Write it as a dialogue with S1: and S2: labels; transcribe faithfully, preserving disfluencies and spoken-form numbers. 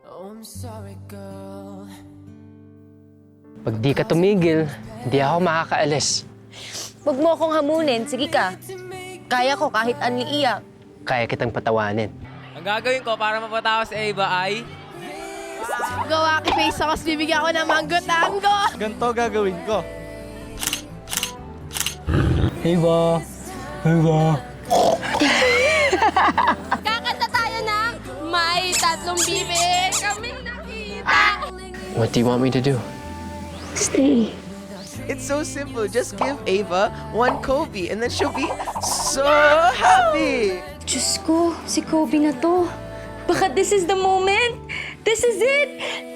S1: Pag di ka tumigil, hindi ako makakaalis.
S2: Huwag mo akong hamunin. Sige ka. Kaya ko kahit anong iiyak.
S1: Kaya kitang patawanin.
S3: Ang gagawin ko para mapatawa si Ava ay...
S4: Gawa ki face ako, bibigyan ko ng manggo-tango.
S5: Ganito gagawin ko.
S1: Eva! Eva!
S4: Kakanta tayo ng may tatlong bibig kaming nakita.
S1: What do you want me to do?
S6: It's so simple. Just give Ava one Kobe and then she'll be so happy.
S2: Diyos ko, si Kobe na to. Baka this is the moment. This is it.